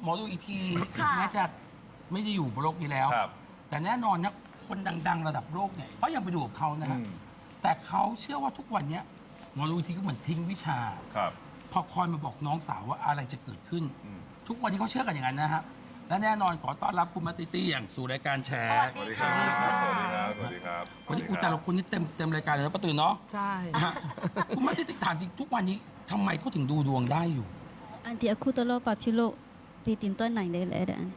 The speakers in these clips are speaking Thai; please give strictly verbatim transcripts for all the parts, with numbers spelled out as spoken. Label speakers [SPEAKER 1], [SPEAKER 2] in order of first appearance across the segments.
[SPEAKER 1] อดูอีกทีแม้จะไม่ได้อยู่บนโลกนี้แล้ว แต่แน่นอนนะคนดังๆระดับโลกเนี่ยก็ยังไปดูกับเขานะฮะแต่เขาเชื่อว่าทุกวันนี้หมอดูอีกทีก็เหมือนทิ้งวิชาพอคอยมาบอกน้องสาวว่าอะไรจะเกิดขึ้นทุกวันนี้เขาเชื่อกันอย่างนั้นนะฮะและแน่นอนขอต้อนรับคุณมาติตี้อย่างสู่รายการแชร์
[SPEAKER 2] สวัสดีครับ สวัสดีครับ สวัสดีครับ
[SPEAKER 1] วันนี้อุแต่ละคนนี่เต็มเต็มรายการเลยนะป้าตื่นเนาะ
[SPEAKER 3] ใช่
[SPEAKER 1] คุณมาติตี้ถามจริงทุกวันนี้ทำไมเขาถึงดูดวงได้อยู่
[SPEAKER 4] Anti aku tolong papchulo pitinton nai dai le dan.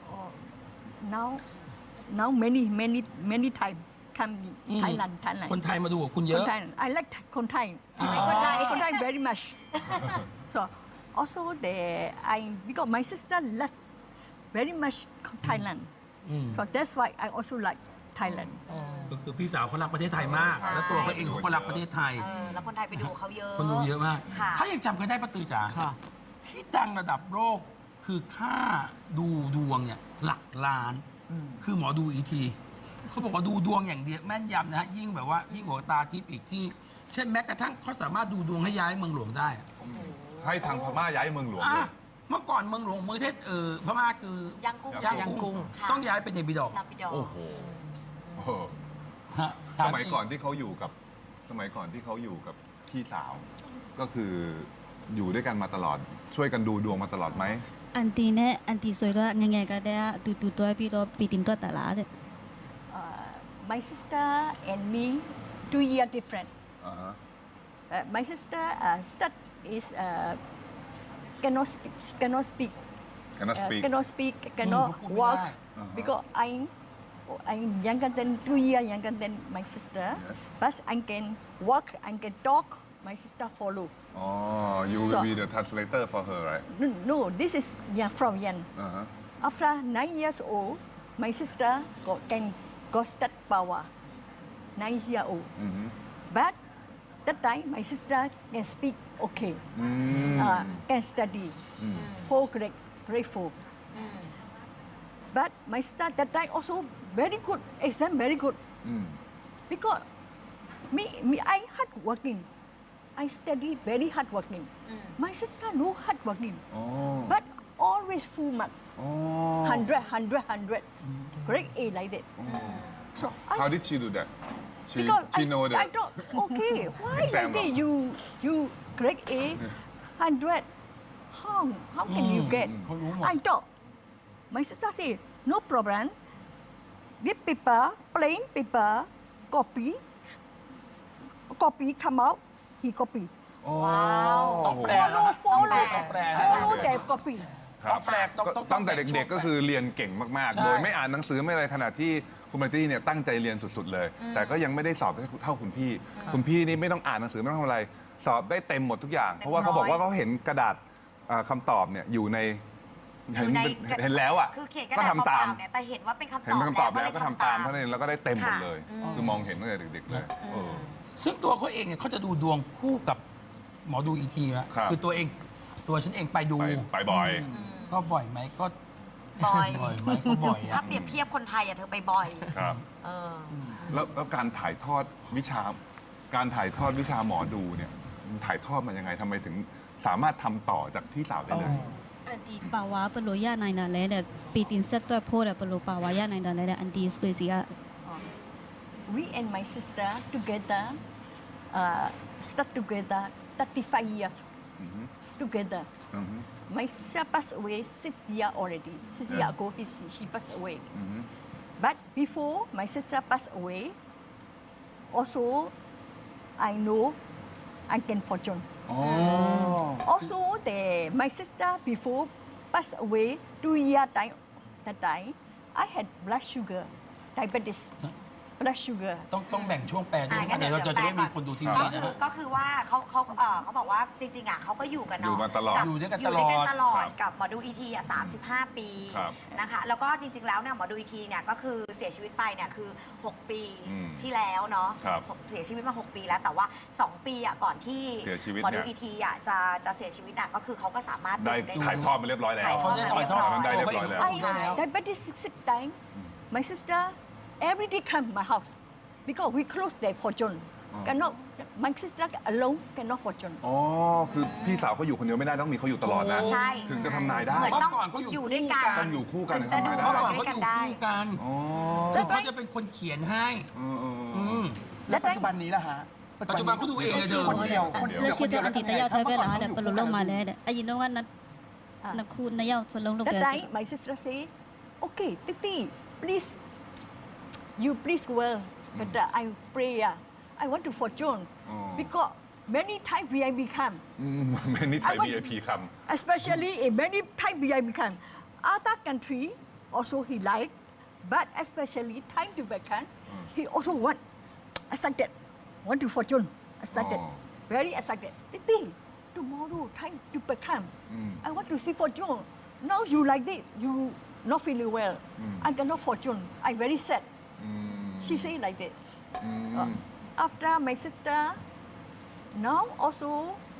[SPEAKER 5] now now many many many time come Thailand Thailand
[SPEAKER 1] คนไทยมาดูกับคุณเย
[SPEAKER 5] ค
[SPEAKER 1] อะ
[SPEAKER 5] นไทย I like คนไทย
[SPEAKER 1] อ่า
[SPEAKER 5] คนไทยคนไทย very much so also the I because my sister left very much Thailand so that's why I also like Thailand
[SPEAKER 1] ก็คือพี่สาวเขารักประเทศไทยมาก แล้วตัวเขาเองเขาก็รักประเทศไทย
[SPEAKER 6] เออแล้วคนไทยไปดูเขาเยอะ
[SPEAKER 1] คนดูเยอะมาก
[SPEAKER 6] ค่ะ
[SPEAKER 1] เขายังจำกันได้ป้าตือจ๋า
[SPEAKER 3] ค่ะ
[SPEAKER 1] ที่ดังระดับโลกคือค่าดูดวงเนี่ยหลักล้าน คือหมอดูอีทีเขาบอกว่าดูดวงอย่างเดียวแม่นยำนะฮะยิ่งแบบว่ายิ่งกว่าตาทิพย์อีกที่ เช่นแม้กระทั่งเขาสามารถดูดวงให้ย้ายเมืองหลวงได้อะ
[SPEAKER 2] ให้ทางพม่าย้ายเมืองหลวง
[SPEAKER 1] อ่ะ
[SPEAKER 2] เลย
[SPEAKER 1] เมื่อก่อนเมืองหลวงเมืองเทศเออพม่าคือ
[SPEAKER 6] ยังกุ้ง
[SPEAKER 1] ย่าง
[SPEAKER 3] ย่างกุ้
[SPEAKER 1] กุ้ง
[SPEAKER 3] ง
[SPEAKER 6] ค่ะ
[SPEAKER 1] ต้องย้ายไปในบิดอก
[SPEAKER 6] นาปิดอ
[SPEAKER 2] โอ้โหโอ้โห
[SPEAKER 1] ฮะ
[SPEAKER 2] สมัยก่อนที่เขาอยู่กับสมัยก่อนที่เขาอยู่กับพี่สาว ก็คืออยู่ด้วยกันมาตลอด ช่วยกันดูดวงมาตลอดไหม
[SPEAKER 4] Anti ne anti soira ngai ka da tu tu to pi do pitinton ta la de.
[SPEAKER 5] uh, my sister and me two year different
[SPEAKER 2] อ่าฮะ
[SPEAKER 5] uh, my sister uh, start is uh, cannot speak cannot speak
[SPEAKER 2] cannot
[SPEAKER 5] uh,
[SPEAKER 2] speak
[SPEAKER 5] cannot speak cannot walk
[SPEAKER 2] Uh-huh.
[SPEAKER 5] because I I'm younger than two years younger than my sister
[SPEAKER 2] Yes.
[SPEAKER 5] but I can walk I can talk my sister follow
[SPEAKER 2] อ๋อ you will
[SPEAKER 5] So-
[SPEAKER 2] be the translator for her right
[SPEAKER 5] no, no this is young from young
[SPEAKER 2] อ่าฮะ
[SPEAKER 5] after nine years old my sister got can got start power nine years old
[SPEAKER 2] อือฮึ
[SPEAKER 5] but that time my sister can speak okay
[SPEAKER 2] อืม
[SPEAKER 5] uh, can study
[SPEAKER 2] อืม
[SPEAKER 5] four grade grade four but my sister that time also very good exam very good
[SPEAKER 2] อืม
[SPEAKER 5] because me me I hard working I study very hard working my sister no hard working
[SPEAKER 2] อ๋อ
[SPEAKER 5] but always full mark
[SPEAKER 2] อ๋อ
[SPEAKER 5] hundred hundred hundred grade A like that so I
[SPEAKER 2] How did she do that she
[SPEAKER 5] because
[SPEAKER 2] she
[SPEAKER 5] I,
[SPEAKER 2] know
[SPEAKER 5] I
[SPEAKER 2] that
[SPEAKER 5] don't okay why
[SPEAKER 2] Exam
[SPEAKER 5] like that
[SPEAKER 2] ah?
[SPEAKER 5] you you grade A hundred how how can you get
[SPEAKER 1] เขารู้หมด
[SPEAKER 5] I thought my sister say no problem this paper plain paper copy copy come out he copy
[SPEAKER 2] อ๋อ
[SPEAKER 1] ต้องแปล
[SPEAKER 5] follow
[SPEAKER 1] นะ
[SPEAKER 5] follow
[SPEAKER 1] ต้องแปลนะ
[SPEAKER 5] follow the copy
[SPEAKER 1] ต้องแปลต้องต้อง
[SPEAKER 2] ตั้งแต่เด็กๆก็คือเรียนเก่งมาก
[SPEAKER 1] ใช่
[SPEAKER 2] ๆ โดยไม่อ่านหนังสือไม่อะไรขนาดที่คุณมาร์ตี้เนี่ยตั้งใจเรียนสุดๆเลย แต่ก็ยังไม่ได้สอบเท่าคุณพี่ คุณพี่นี่ไม่ต้องอ่านหนังสือไม่ต้องทำอะไร สอบได้เต็มหมดทุกอย่าง เพราะว่าเขาบอกว่าเขาเห็นกระดาษอ่าคำตอบเนี่ยอยู่ใน
[SPEAKER 6] อ
[SPEAKER 2] เห็น
[SPEAKER 6] ยู่ใน
[SPEAKER 2] เห็นแล้วอ่ะ
[SPEAKER 6] คือเขียนกระ
[SPEAKER 2] ก็
[SPEAKER 6] ดาษ
[SPEAKER 2] ทำตาม
[SPEAKER 6] เปล่าๆเนี่ยแต่เห็นว่าเป็นคำตอบ
[SPEAKER 2] เห็นเป็นคำตอบแล้ว
[SPEAKER 6] เย
[SPEAKER 2] ก็ทำตามเท่านั้นเองแล้วก็ได้เต็มหมดเลย
[SPEAKER 6] ค่ะ
[SPEAKER 2] คือมองเห็นตั้งแต่เด็กๆเลยเออ
[SPEAKER 1] ซึ่งตัวเขาเองเนี่ยเขาจะดูดวงคู่กับหมอดูอีทีนะครับ คือตัวเองตัวฉันเองไปดู
[SPEAKER 2] ไปไปบ่อย
[SPEAKER 1] ก็บ่อยไหมก็
[SPEAKER 6] บ่อย
[SPEAKER 1] บ่อยไหมก็บ่อย
[SPEAKER 6] ถ้า
[SPEAKER 1] อะ
[SPEAKER 6] เปรียบเทียบคนไทยอะเธอไปบ่อย
[SPEAKER 2] ครับ
[SPEAKER 6] เออ
[SPEAKER 2] แล้วแล้วการถ่ายทอดวิชา การถ่ายทอดวิชาหมอดูเนี่ยมันถ่ายทอดมายังไงทำไมถึงสามารถทำต่อจากพี่สาวได้เลย
[SPEAKER 4] Anti pawa perlu ya nai da le de pitin set to po de perlu pawa ya nai da le de anti sui sia
[SPEAKER 5] we and my sister together uh, start together thirty-five years together.
[SPEAKER 2] Mhm.
[SPEAKER 5] My sister passed away six years already. Six
[SPEAKER 2] Yeah.
[SPEAKER 5] years ago, he, she passed away.
[SPEAKER 2] Mhm.
[SPEAKER 5] But before my sister passed away, also I know I can fortune.
[SPEAKER 2] อ๋อ
[SPEAKER 5] Also, the my sister before passed away two years time. That time I had blood sugar, diabetes, blood sugar.
[SPEAKER 1] ต้องต้องแบ่งช่วงแปลด้วย
[SPEAKER 6] อ่ะงั้น
[SPEAKER 1] เดี๋ยวเราจะ
[SPEAKER 6] เดี๋ยว
[SPEAKER 1] ได้มี
[SPEAKER 6] แปลก่อน
[SPEAKER 1] คนดูที
[SPEAKER 6] ก็
[SPEAKER 1] วี
[SPEAKER 6] คื
[SPEAKER 1] นะ
[SPEAKER 6] อ
[SPEAKER 1] ฮะ
[SPEAKER 6] ก็คือว่าเขาเขาเออเขาบอกว่าจริงๆอ่ะเขาก็อยู่กัน
[SPEAKER 2] อยู่
[SPEAKER 6] เนาะ
[SPEAKER 2] มาตลอด
[SPEAKER 1] อยู่ด้วยกัน
[SPEAKER 6] อยู่ด้วยกันตลอด
[SPEAKER 2] ครับ
[SPEAKER 6] กับหมอดูอีทีอ่ะสามสิบห้าปี
[SPEAKER 2] ครับ
[SPEAKER 6] นะคะแล้วก็จริงๆแล้วเนี่ยหมอดูอีทีเนี่ยก็คือเสียชีวิตไปเนี่ยคือหกปี
[SPEAKER 2] อืม
[SPEAKER 6] ที่แล้วเนาะ
[SPEAKER 2] ครับ
[SPEAKER 6] เสียชีวิตมาหกปีแล้วแต่ว่าสองปีอ่ะก่อนที่
[SPEAKER 2] เสียชีวิต
[SPEAKER 6] หมอดู
[SPEAKER 2] เนี่ย
[SPEAKER 6] อีทีอ่ะจะจะเสียชีวิตอ่ะก็คือเขาก็สามารถ
[SPEAKER 2] ได้
[SPEAKER 6] ดู
[SPEAKER 2] ถ่ายทอดมาเรียบร้อยแล้ว
[SPEAKER 6] ถ่ายทอด
[SPEAKER 1] เขาได้ถ่ายทอด
[SPEAKER 2] มันได้เรียบร้อยแล้ว
[SPEAKER 5] I diabetes six six time. My sister every day come my house because we close their fortune. cannot my sister alone cannot fortune
[SPEAKER 2] อ๋อ คือพี่สาวเขาอยู่คนเดียวไม่ได้ต้องมีเขาอยู่ตลอดนะ
[SPEAKER 6] ใช่
[SPEAKER 2] ถึงจะทำนายได้
[SPEAKER 6] เหมือน
[SPEAKER 1] เมื่
[SPEAKER 6] ต้
[SPEAKER 1] อก่อนเขาอยู่
[SPEAKER 6] อยู่ด้วยกัน
[SPEAKER 2] ต้องอยู่คู่กัน
[SPEAKER 6] ถึ
[SPEAKER 2] ถึ
[SPEAKER 6] ง
[SPEAKER 2] ง
[SPEAKER 6] จะ
[SPEAKER 2] ทำนาย
[SPEAKER 6] ดู
[SPEAKER 2] ได้
[SPEAKER 1] เมื่อก่อน
[SPEAKER 6] ด้ว
[SPEAKER 1] เขา
[SPEAKER 6] ย
[SPEAKER 1] อ
[SPEAKER 6] กัน
[SPEAKER 1] ยู่
[SPEAKER 6] ได้
[SPEAKER 1] คู่กัน
[SPEAKER 2] อ๋อ
[SPEAKER 1] คือเขาจะเป็นคนเขียนให้
[SPEAKER 2] เออเออเออ
[SPEAKER 1] อืม
[SPEAKER 3] แล้วปัจจุบันนี้ล่ะฮะ
[SPEAKER 1] ปัจจุบันเขาดูเองเลยเธอ
[SPEAKER 3] คนเดียวคนเดียว
[SPEAKER 4] แล้วชื่อตัวอันติตยาวเทเวลาเดี๋ยว
[SPEAKER 3] เ
[SPEAKER 4] ปลุลงมาแล้วเดี๋ยวอายินว่านัดนักคุณนายาวสลงลง
[SPEAKER 5] that
[SPEAKER 4] เดือด
[SPEAKER 5] time my sister say okay Titi please you please well but uh, I pray uh, I want to fortune because many time V I become
[SPEAKER 2] อืมไม่นี่ไทย
[SPEAKER 5] I want-
[SPEAKER 2] วี ไอ พี ค
[SPEAKER 5] especially in many time V I become other country also he like but especially time to become he also want excited want to fortune excited
[SPEAKER 2] Oh.
[SPEAKER 5] very excited Titi tomorrow time to become
[SPEAKER 2] Mm.
[SPEAKER 5] I want to see fortune now you like this you not feeling well I cannot fortune I very sad
[SPEAKER 2] ำอืม
[SPEAKER 5] she say like that
[SPEAKER 2] อืม
[SPEAKER 5] Uh, after my sister now also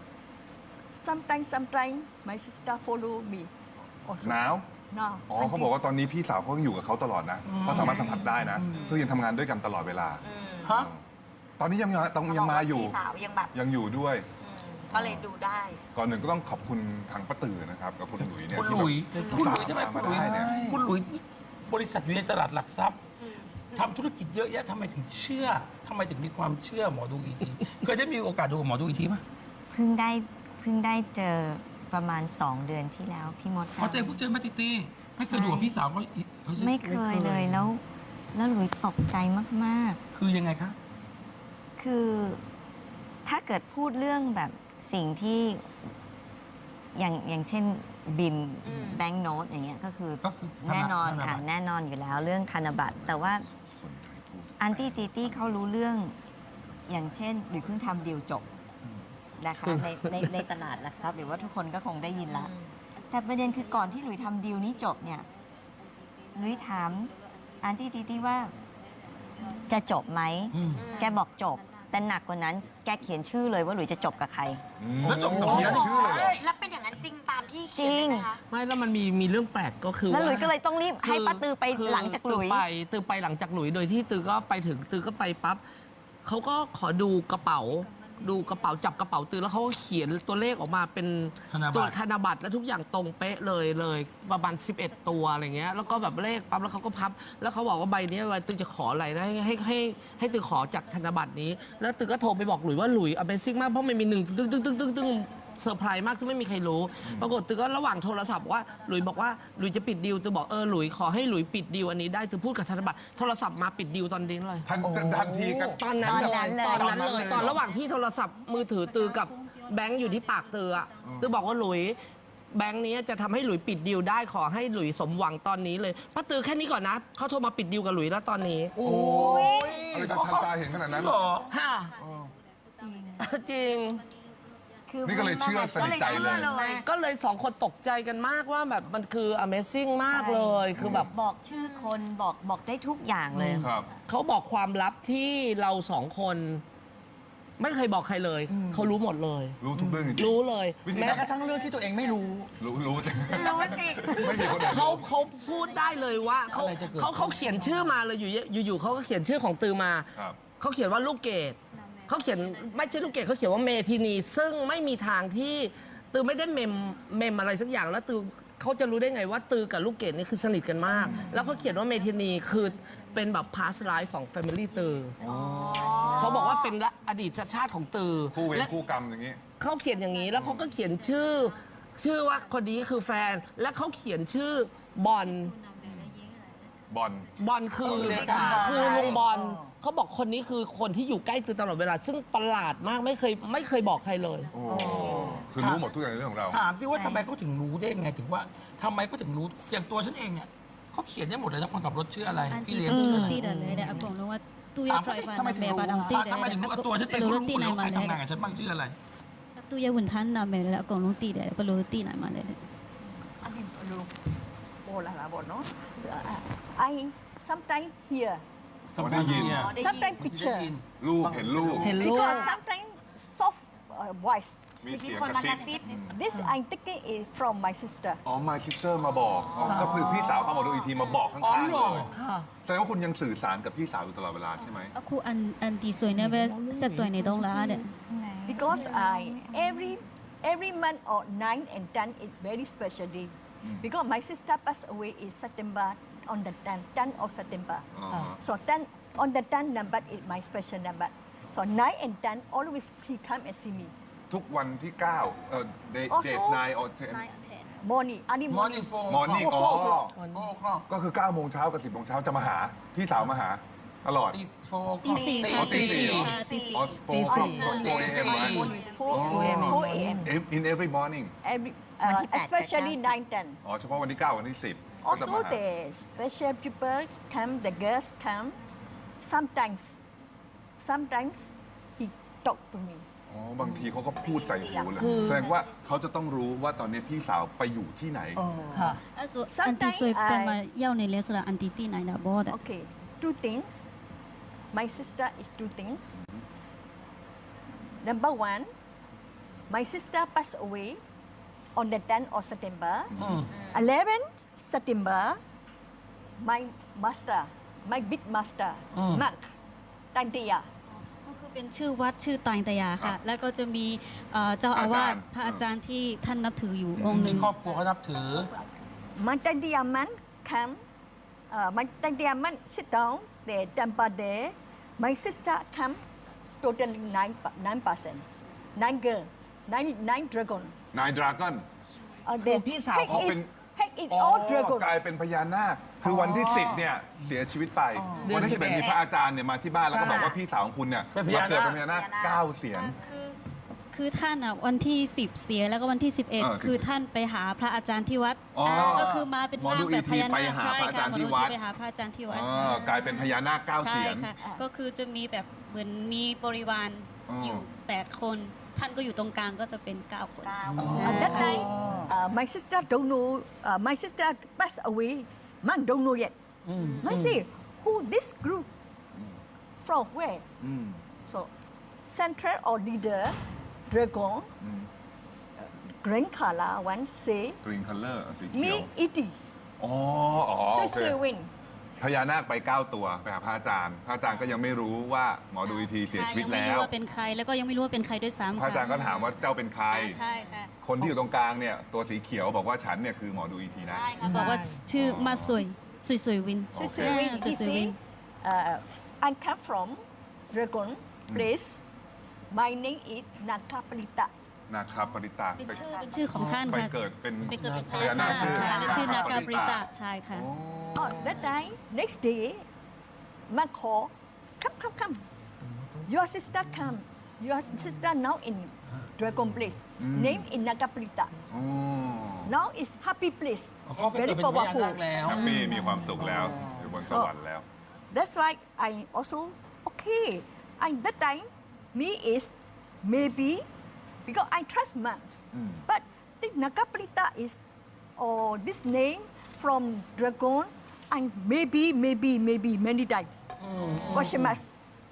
[SPEAKER 5] sometimes sometimes my sister follow me also
[SPEAKER 2] หนาว
[SPEAKER 5] now
[SPEAKER 2] อ๋อเขาบอกว่าตอนนี้พี่สาวเขายังอยู่กับเขาตลอดนะเขาสามารถสัมผัสได้นะคือยังทำงานด้วยกันตลอดเวลา
[SPEAKER 1] ฮะ
[SPEAKER 2] ตอนนี้ยังต้องยังมาอยู่
[SPEAKER 6] พี่สาวยังแบบ
[SPEAKER 2] ยังอยู่ด้วย
[SPEAKER 6] อืมก็เลยดูได้
[SPEAKER 2] ก่อนหนึ่งก็ต้องขอบคุณทางป้าตือนะครับกับคุณหลุยเนี่ย
[SPEAKER 1] คุณหลุย
[SPEAKER 2] ที่
[SPEAKER 1] คุณหลุย
[SPEAKER 2] แบบ
[SPEAKER 1] ทำไม
[SPEAKER 2] มา
[SPEAKER 1] คุณหลุย
[SPEAKER 2] ได้เนี่ย
[SPEAKER 1] คุณหลุยนี่บริษัทอยู่ในตลาดหลักทรัพย์ทำธุรกิจเยอะแยะทำไมถึงเชื่อทำไมถึงมีความเชื่อหมอดูอีทีเคยได้มีโอกาสดูกับหมอดูอีทีไหม
[SPEAKER 7] เพิ่งได้เพิ่งได้เจอประมาณสองเดือนที่แล้วพี่มด
[SPEAKER 1] เขาเจอเพิ่งเจอมาติตีไม่เคยดูกับพี่สาวเขาอีกเขาชื่อ
[SPEAKER 7] ไม่เคยเลยแล้ว แล้วหลุยตกใจมาก
[SPEAKER 1] คือยังไงคะ
[SPEAKER 7] ๆ คือถ้าเกิดพูดเรื่องแบบสิ่งที่อย่างอย่างเช่นบิม
[SPEAKER 6] อืม
[SPEAKER 7] แบงก์โนตอย่างเงี้ยก็คือ
[SPEAKER 1] ก็คือธ
[SPEAKER 7] แน่นอน
[SPEAKER 1] ธบั
[SPEAKER 7] ค่ะ
[SPEAKER 1] ตร
[SPEAKER 7] แน่นอนอยู่แล้วเรื่องธนบัตร แต่ว่าอันตี้ตีตี้เขารู้เรื่องอย่างเช่นหรือเพิ่งทำดีลจบนะคะในในในตลาดหลักทรัพย์หรือว่าทุกคนก็คงได้ยินละ แต่ประเด็นคือก่อนที่หลุยทำดีลนี้จบเนี่ยหลุยถามอันตี้ตีตี้ว่าจะจบไหม
[SPEAKER 1] อืม
[SPEAKER 7] แกบอกจบ แต่หนักกว่านั้นแกเขียนชื่อเลยว่าหลุยจะจบกับใคร
[SPEAKER 1] แล้วจบกับ
[SPEAKER 2] เขี
[SPEAKER 1] เขี
[SPEAKER 2] ย
[SPEAKER 1] ย
[SPEAKER 2] น
[SPEAKER 1] น
[SPEAKER 2] ชื่อเลยเหรอ
[SPEAKER 6] แล้วเป็นอย่างนั้นจริงตามที่
[SPEAKER 7] จ
[SPEAKER 6] เขี
[SPEAKER 7] ริ
[SPEAKER 6] ยน
[SPEAKER 7] ง
[SPEAKER 6] ไหมคะ
[SPEAKER 8] ไม่แล้วมันมีมีเรื่องแปลกก็คือ
[SPEAKER 7] แล้วหลุย
[SPEAKER 8] ว่า
[SPEAKER 7] ก็เลยต้องรีบให้ป้าตือไป
[SPEAKER 8] คื
[SPEAKER 7] หลังจากหลุย
[SPEAKER 8] ตือไปตือไปหลังจากหลุยโดยที่ตือก็ไปถึงตือก็ไปปั๊บเขาก็ขอดูกระเป๋า ดูกระเป๋าจับกระเป๋าตือแล้วเขาก็เขียนตัวเลขออกมาเป็น
[SPEAKER 1] ธนบัตร
[SPEAKER 8] ตัวธนบัตรแล้วทุกอย่างตรงเป๊ะเลยเลยประมาณสิบเอ็ดตัวอะไรเงี้ยแล้วก็แบบเลขปั๊บแล้วเขาก็พับ แล้วเขาบอกว่าใบเนี้ยตือจะขออะไรนะให้ให้ให้ให้ตือขอจากธนบัตรนี้ แล้วตือก็โทรไปบอกหลุยว่าหลุย Amazing มากเพราะมันมีหนึ่งตึ้งตึ้งตึ้งตึ้งตึ้งเซอร์ไพรส์มากซึ่งไม่มีใครรู้ ปรากฏตือก็ระหว่างโทรศัพท์ว่าหลุยบอกว่าหลุยจะปิดดีลตือบอกเออหลุยขอให้หลุยปิดดีลอันนี้ได้ตือพูดกับธนบัตรโทรศัพท์มาปิดดีลตอนนี้เลย
[SPEAKER 2] ทันทันทีกัน
[SPEAKER 8] ตอนนั้น
[SPEAKER 7] ตอนนั้นเลย
[SPEAKER 8] ตอนนั้นเลย ตอนระหว่างที่โทรศัพท์มือถือตือกับแบงค์อยู่ที่ปากตืออะตือบอกว่าหลุยแบงค์นี้จะทำให้หลุยปิดดีลได้ขอให้หลุยสมหวังตอนนี้เลยป้าตือแค่นี้ก่อนนะเขาโทรมาปิดดีลกับหลุยแล้วตอนนี้
[SPEAKER 2] โอ้ยอะไรจะทันตาเห็นขนาดนั้น
[SPEAKER 1] หรอ
[SPEAKER 8] ค่ะจริง
[SPEAKER 7] คือ
[SPEAKER 2] นี่ก็เลยเชื่อส
[SPEAKER 6] ก็
[SPEAKER 2] นิท
[SPEAKER 6] เลย
[SPEAKER 2] ใจ
[SPEAKER 6] เชื่
[SPEAKER 2] เล
[SPEAKER 6] อย เลย
[SPEAKER 8] ก็เลยสองคนตกใจกันมากว่าแบบมันคือ Amazing มากเลยคือแบบ
[SPEAKER 7] บอกชื่อคนบอกบอกได้ทุกอย่างเลย
[SPEAKER 2] ครับ
[SPEAKER 8] เขาบอกความลับที่เราสองคน ไม่เคยบอกใครเลย เขารู้หมดเลย
[SPEAKER 2] รู้ทุกเรื่องจริง
[SPEAKER 8] รู้เลย
[SPEAKER 2] วิธี
[SPEAKER 8] แม้
[SPEAKER 3] แม้กระทั่งเรื่องที่ตัวเองไม่รู้
[SPEAKER 2] รู้รู้สิ
[SPEAKER 6] รู้สิ
[SPEAKER 2] ไม่มีคนอื่น
[SPEAKER 8] เขาเขาพูดได้เลยว่าเขา
[SPEAKER 1] อะไรจะเกิด
[SPEAKER 8] เขาเขาเขียนชื่อมาเลยอยู่อยู่อยู่เขาก็เขียนชื่อของตือมา
[SPEAKER 2] ครับ
[SPEAKER 8] เขาเขียนว่าลูกเกดเขาเขียนไม่ใช่ลูกเกดเขาเขียนว่าเมทินี ซึ่งไม่มีทางที่ตือไม่ได้เมมเมมอะไรสักอย่างแล้วตือเขาจะรู้ได้ไงว่าตือกับลูกเกดนี่คือสนิทกันมาก แล้วเขาเขียนว่าเมทินีคือเป็นแบบ past life ของ family ตืออเขาบอกว่าเป็นอดีตชาติของตือ
[SPEAKER 2] คู่เวร
[SPEAKER 8] และ
[SPEAKER 2] คู่กรรมอย่างนี้
[SPEAKER 8] เขาเขียนอย่างนี้แล้วเขาก็เขียนชื่อ ชื่อว่าคนนี้คือแฟน และเขาเขียนชื่อบอล
[SPEAKER 2] บอล
[SPEAKER 8] บอลคือ
[SPEAKER 3] เลขา
[SPEAKER 8] คือลุงบอลเขาบอกคนนี้คือคนที่อยู่ใกล้ตือตลอดเวลา ซึ่งประหลาดมากไม่เคยไม่เคยบอกใครเลย
[SPEAKER 2] โอ้คือรู้หมดทุกอย่างในเรื่องของเรา
[SPEAKER 1] ถามสิว่าทำไมเขาถึงรู้ได้ไงถึงว่าทำไมเขาถึงรู้อย่างตัวฉันเองเนี่ยเขาเขียนได้หมดเลยนะคนขับรถชื่ออะไร
[SPEAKER 4] อัน
[SPEAKER 1] พี่
[SPEAKER 4] ติ
[SPEAKER 1] เลี้ยงชื่ออะไร
[SPEAKER 4] ตีเดินเลยเดี๋ยวอากงรู้ว่าตู้ยา
[SPEAKER 1] ถาม
[SPEAKER 4] ไฟ
[SPEAKER 1] เขาสิ
[SPEAKER 4] ฟ้านาเมบาดำตีเดี๋ยว
[SPEAKER 1] ทำไมถึงรู้ว่าตัวฉันเอง
[SPEAKER 4] ป
[SPEAKER 1] เขา
[SPEAKER 4] ลุ
[SPEAKER 1] รู้
[SPEAKER 4] ตี
[SPEAKER 1] หมด
[SPEAKER 4] ไหน
[SPEAKER 1] แล้ว
[SPEAKER 4] มา
[SPEAKER 1] ใคร
[SPEAKER 4] เลย
[SPEAKER 1] ทำงานกับฉันบ้างชื่ออะไร
[SPEAKER 4] ตู้ยาหุ่นทันนาเมเลยอากงรู้ตีเดี๋ยวปลุตีไหนมาเลย
[SPEAKER 5] I mean, hello. Oh, la la, bon, no? Uh, I sometimes hear,
[SPEAKER 1] สมัยเรียน
[SPEAKER 6] ได้ยิน
[SPEAKER 5] sometimes
[SPEAKER 1] ได้
[SPEAKER 5] picture.
[SPEAKER 1] ยิน
[SPEAKER 2] ลูกเห็นลูก
[SPEAKER 8] เห็นลูก
[SPEAKER 5] Because sometimes soft uh, voice
[SPEAKER 2] มีเสียง
[SPEAKER 6] คน
[SPEAKER 2] กระ
[SPEAKER 6] มากระซิ
[SPEAKER 2] ซิ
[SPEAKER 6] บ
[SPEAKER 2] บ
[SPEAKER 5] This I'm taking it from my sister.
[SPEAKER 2] อ๋อ my sister มาบอกอ๋อก็คือพี่สาวเขาหมอดูอีกทีมาบอกข้างๆเลย
[SPEAKER 8] ค่ะ
[SPEAKER 2] แสดงว่าคุณยังสื่อสารกับพี่สาวอยู่ตลอดเวลาใช่ไหม
[SPEAKER 4] အခုအန်အန်တီဆိုရင်လည်းပဲဆက်တွယ်နေတော့လားတဲ့
[SPEAKER 5] Because I every every month or nine and ten is very special day. Because my sister passed away in September on the tenth, tenth of September.
[SPEAKER 2] อ๋อ
[SPEAKER 5] So ten on the tenth number is my special number. So nine and ten always he come and see me.
[SPEAKER 2] ทุกวันที่เก้าเอ่อ day
[SPEAKER 5] Also-
[SPEAKER 2] date nine or ten
[SPEAKER 5] Morning, early
[SPEAKER 1] morning
[SPEAKER 5] morning.
[SPEAKER 1] four
[SPEAKER 2] morning
[SPEAKER 5] Oh,
[SPEAKER 2] อ๋อ
[SPEAKER 5] four o'clock.
[SPEAKER 1] four o'clock
[SPEAKER 2] ก็คือเก้าโมงเช้ากับสิบโมงเช้าจะมาหา พี่สาวมาหาตลอด
[SPEAKER 1] ตี four
[SPEAKER 4] ตี
[SPEAKER 1] o'clock
[SPEAKER 4] สี่
[SPEAKER 2] อ๋อตีสี่เหรอ
[SPEAKER 4] ค่ะตีสี่
[SPEAKER 2] อ๋อ four
[SPEAKER 8] ตีสี่
[SPEAKER 2] o'clock four a.m. ไหม
[SPEAKER 5] Four,
[SPEAKER 2] Oh.
[SPEAKER 5] four a m
[SPEAKER 2] in every morning
[SPEAKER 5] Every,
[SPEAKER 7] วัน
[SPEAKER 5] uh,
[SPEAKER 7] ที่แปด
[SPEAKER 5] especially
[SPEAKER 7] แปดเก้าสิบ
[SPEAKER 5] nine, ten.
[SPEAKER 2] อ๋อเฉพาะวันที่เก้าวันที่สิบก็จะ
[SPEAKER 5] Also
[SPEAKER 2] มาหา
[SPEAKER 5] the special people come, the girls come. Sometimes, sometimes he talk to me.
[SPEAKER 2] อ๋อบางทีเขาก็พูดใส่หูเลยแสดงว่าเขาจะต้องรู้ว่าตอนนี้พี่สาวไปอยู่ที่ไหน
[SPEAKER 8] ค่ะ
[SPEAKER 4] အဲ့ဆိုအန်တီဆိုပြန်มาရောက်နေလဲဆိုတာအန်တီသိနိုင်တာဗောတဲ့
[SPEAKER 5] Okay, two things. My sister is two things. Number one, my sister passed away on the tenth of September. eleventh September, my master, my big master, Mark Tantia.
[SPEAKER 4] ก็คือเป็นชื่อวัดชื่อตายตยาค่ะ แล้วก็จะมีเอ่อเจ้าอาวาสพระอาจารย์ที่ท่านนับถืออยู่องค์ห
[SPEAKER 1] ที่
[SPEAKER 4] นึ่ง
[SPEAKER 1] ครอบครัวเขานับถือ
[SPEAKER 5] My Tantia man come, uh, my Tantia man sit down, the temple there. My sister come, totally nine, nine person, nine girl, nine, nine dragon.
[SPEAKER 2] นายดราก้อน
[SPEAKER 5] Uh,
[SPEAKER 8] คือ
[SPEAKER 5] the
[SPEAKER 8] พี่สาว
[SPEAKER 5] head
[SPEAKER 2] อ๋อ
[SPEAKER 5] is
[SPEAKER 2] เป็น
[SPEAKER 5] head is
[SPEAKER 2] อ๋อ
[SPEAKER 5] all dragon.
[SPEAKER 2] กลายเป็นพญานาค คือวันที่สิบเนี่ยเสียชีวิตไป
[SPEAKER 8] เดือน
[SPEAKER 2] วันที่สิบเอ็ด
[SPEAKER 8] สิบเอ็ด
[SPEAKER 2] มีพระอาจารย์เนี่ยมาที่บ้านแล้วก็บอกว่าพี่สาวของคุณเนี่ย
[SPEAKER 1] เป็นพญานาค
[SPEAKER 2] มาเกิดเป็นพญานาคเก้าเสียน
[SPEAKER 4] คือคือท่านอ่ะวันที่สิบเสียแล้วก็วันที่สิบเอ็ด
[SPEAKER 2] เออ
[SPEAKER 4] คือท่านไปหาพระอาจารย์ที่วัด
[SPEAKER 2] อ๋ออ่
[SPEAKER 4] าก็คือมาเป็น
[SPEAKER 2] หมอ
[SPEAKER 4] ร่าง
[SPEAKER 2] ดู
[SPEAKER 4] แบ
[SPEAKER 2] อี
[SPEAKER 4] บ
[SPEAKER 2] ก
[SPEAKER 4] พ
[SPEAKER 2] ที
[SPEAKER 4] ญา
[SPEAKER 2] ไป
[SPEAKER 4] นาค
[SPEAKER 2] หา
[SPEAKER 4] ใช่
[SPEAKER 2] พระอาจา
[SPEAKER 4] ค่ะ
[SPEAKER 2] รย์
[SPEAKER 4] หมอ
[SPEAKER 2] ที่
[SPEAKER 4] ดู
[SPEAKER 2] วัด
[SPEAKER 4] ที่ไปหาพระอาจารย์ที่วัด
[SPEAKER 2] อ่ากลายเป็นพญานาคเก้า
[SPEAKER 4] ใช่
[SPEAKER 2] เสียน
[SPEAKER 4] ค่ะก็คือจะมีแบบเหมือนมีบริวาร
[SPEAKER 2] อ๋อ
[SPEAKER 4] อ
[SPEAKER 2] อ
[SPEAKER 4] ยู่แปดคน ท่านก็อยู่ตรงกลางก็จะเป็นเก้าคน
[SPEAKER 5] At that time, uh, my sister don't know. Uh, my sister passed away. Man don't know yet. I say, who this group? From where?
[SPEAKER 2] อืม
[SPEAKER 5] So, central or leader, dragon,
[SPEAKER 2] อืม
[SPEAKER 5] green color. One say,
[SPEAKER 2] green color สีเขียว
[SPEAKER 5] me iti.
[SPEAKER 2] อ๋ออ๋อโอ
[SPEAKER 5] So
[SPEAKER 2] เค
[SPEAKER 5] say win.
[SPEAKER 2] พญานาคไปเก้าตัวไปหาพระอาจารย์ พระอาจารย์ก็ยังไม่รู้ว่าหมอดูอีกทีเสียชีวิต
[SPEAKER 4] ยังไม่
[SPEAKER 2] แล้
[SPEAKER 4] รู้
[SPEAKER 2] ว
[SPEAKER 4] ว่าเป็นใครแล้วก็ยังไม่รู้ว่าเป็นใครด้วยซ้ำ
[SPEAKER 2] พระ
[SPEAKER 4] ค่ะ
[SPEAKER 2] อาจารย์ก็ถามว่าเจ้าเป็นใคร
[SPEAKER 4] อ่าใช่ค่ะ
[SPEAKER 2] คนที่อยู่ตรงกลางเนี่ยตัวสีเขียวบอกว่าฉันเนี่ยคือหมอดูอีกทีนะ
[SPEAKER 4] ใช่ค่ะบอกว่าชื่อมาสวยสวยสวยวิน
[SPEAKER 2] โอเค
[SPEAKER 5] So say win.
[SPEAKER 4] สวย
[SPEAKER 5] He
[SPEAKER 4] สวยวิน
[SPEAKER 5] say, uh, I come from dragon place. My name is Nakaprita.
[SPEAKER 2] นาคาปริตา
[SPEAKER 4] เป็น
[SPEAKER 2] ไป
[SPEAKER 4] ชื่อเป็นชื่อของท่าน
[SPEAKER 2] ไป
[SPEAKER 4] ค่ะ
[SPEAKER 2] เกิดเป็น
[SPEAKER 4] ไปเกิดเป็นพ
[SPEAKER 2] พ
[SPEAKER 4] ญา
[SPEAKER 2] ญา
[SPEAKER 4] นา
[SPEAKER 2] นา
[SPEAKER 4] ค
[SPEAKER 2] คชื่อ
[SPEAKER 4] ค่ะและชื่อนากาปริตะ
[SPEAKER 2] นาคาปริตะ
[SPEAKER 4] ใช่ค่ะ
[SPEAKER 5] Oh, that time, next day, man call, come, come, come. Your sister come. Your sister now in Dragon Place. Name in Nagaprita.
[SPEAKER 2] อ๋อ
[SPEAKER 5] Now is happy place.
[SPEAKER 1] เขาไปเกิด
[SPEAKER 5] Very
[SPEAKER 1] เป็นพญานา
[SPEAKER 5] powerful.
[SPEAKER 1] คแล้ว
[SPEAKER 2] แฮปปี้มีความสุขแล้วอยู่บนสวรรค์แล้ว
[SPEAKER 5] That's why I also okay. And that time, me is maybe because I trust man. But the Nagaprita is or this name from Dragon and maybe, maybe, maybe many times. Question mark.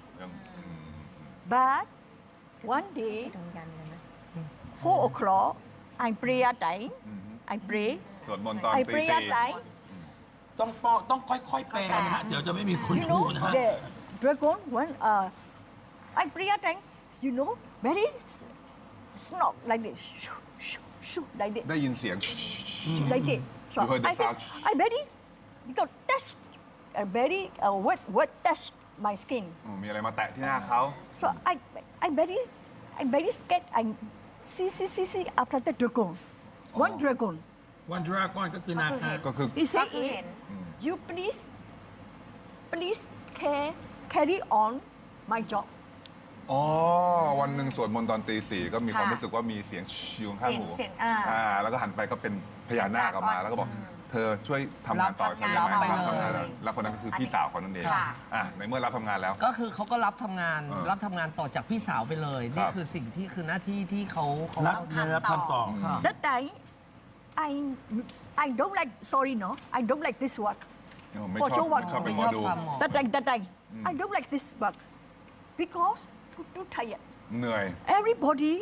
[SPEAKER 5] But one day,
[SPEAKER 7] ตรงกันเลยนะ
[SPEAKER 5] four o'clock, I pray at time. I pray.
[SPEAKER 2] สวดมนต์ตอน
[SPEAKER 5] I
[SPEAKER 2] ตี
[SPEAKER 5] pray
[SPEAKER 2] สี่
[SPEAKER 5] at time.
[SPEAKER 1] ต้องป้องต้องค่อยๆแปลนะฮะ เดี๋ยวจะไม่มีคน
[SPEAKER 5] You
[SPEAKER 1] ดู
[SPEAKER 5] know,
[SPEAKER 1] นะฮะ
[SPEAKER 5] the dragon one. Uh, I pray at time. You know, very snort like this, shoo, shoo, shoo, like this,
[SPEAKER 2] ได้ยินเสียง
[SPEAKER 5] like this. So
[SPEAKER 2] You heard the
[SPEAKER 5] I think
[SPEAKER 2] sound.
[SPEAKER 5] I very because touch, uh, very uh, wet, wet touch my skin.
[SPEAKER 2] อืมมีอะไรมาแตะที่หน้าเขา
[SPEAKER 5] So I, I very, I very scared. I see, see, see, see after the dragon, one
[SPEAKER 2] Oh.
[SPEAKER 5] dragon.
[SPEAKER 1] วันดราก้อนก็คือนาคา
[SPEAKER 2] ก็คือ
[SPEAKER 5] He say,
[SPEAKER 6] Aku
[SPEAKER 5] eh,
[SPEAKER 6] hen.
[SPEAKER 5] you please, please care, carry on my job.
[SPEAKER 2] อ๋อ วันหนึ่งสวดมนต์ตอนตีสี่ก็มีความ
[SPEAKER 6] ค่ะ
[SPEAKER 2] รู้สึกว่ามีเสียงอยู่ข้างหู
[SPEAKER 6] เสียงเสียงอ่า
[SPEAKER 2] แล้วก็หันไปก็เป็นพญานาคออกมา แล้วก็บอก เธอช่วยทำงานต่อใช่ไหม
[SPEAKER 8] รับไป
[SPEAKER 2] รับทำงาน
[SPEAKER 8] เลย
[SPEAKER 2] แล้วคนนั้นก็คือพี่สาวเขานั่นเอง
[SPEAKER 6] ค่ะ
[SPEAKER 2] อ่ะในเมื่อรับทำงานแล้ว
[SPEAKER 8] ก็คือเขาก็รับทำงาน
[SPEAKER 2] เออ
[SPEAKER 8] รับทำงานต่อจากพี่สาวไปเลย นี่
[SPEAKER 2] ครับ
[SPEAKER 8] คือสิ่งที่คือหน้าที่ที่เขาเขา
[SPEAKER 1] รับ
[SPEAKER 8] ต้อง
[SPEAKER 1] เงินรับทำต่อ
[SPEAKER 8] ค่ะ
[SPEAKER 5] That time, I, I don't like. Sorry, no, I don't like this work.
[SPEAKER 2] เออไม่
[SPEAKER 5] ขอ
[SPEAKER 2] ช
[SPEAKER 5] โช
[SPEAKER 2] อบ
[SPEAKER 5] ว์วัน
[SPEAKER 2] ไม่ชอบเป็นหมอดู
[SPEAKER 8] ไม่ชอบทำหมอ
[SPEAKER 5] That time, that time, I don't like this work because too, too tired.
[SPEAKER 2] เหนื่อย
[SPEAKER 5] Everybody